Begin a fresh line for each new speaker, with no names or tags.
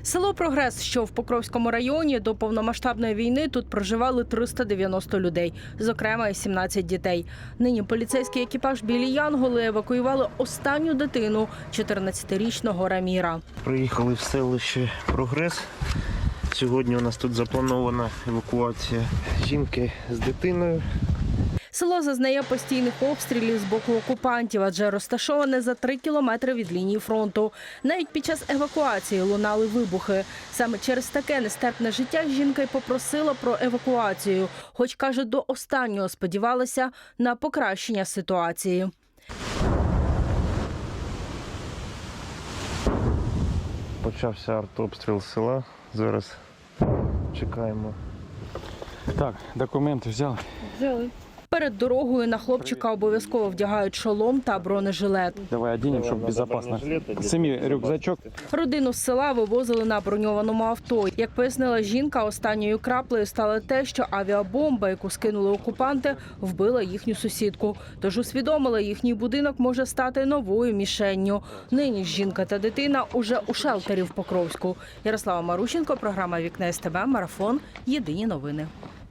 Село Прогрес, що в Покровському районі, до повномасштабної війни тут проживали 390 людей, зокрема і 17 дітей. Нині поліцейський екіпаж «Білі Янголи» евакуювали останню дитину – 14-річного Раміра.
Приїхали в селище Прогрес. Сьогодні у нас тут запланована евакуація жінки з дитиною.
Село зазнає постійних обстрілів з боку окупантів, адже розташоване за 3 кілометри від лінії фронту. Навіть під час евакуації лунали вибухи. Саме через таке нестерпне життя жінка й попросила про евакуацію, хоч, каже, до останнього сподівалася на покращення ситуації.
Почався артобстріл села. Зараз чекаємо.
Так, документи взяли?
Взяли. Перед дорогою на хлопчика обов'язково вдягають шолом та бронежилет.
Давай одінемо, щоб безпечно. Самі рюкзачок.
Родину з села вивозили на броньованому авто. Як пояснила жінка, останньою краплею стало те, що авіабомба, яку скинули окупанти, вбила їхню сусідку. Тож усвідомила, їхній будинок може стати новою мішенню. Нині ж жінка та дитина уже у шелтері в Покровську. Ярослава Марущенко, програма «Вікна СТБ», марафон. Єдині новини.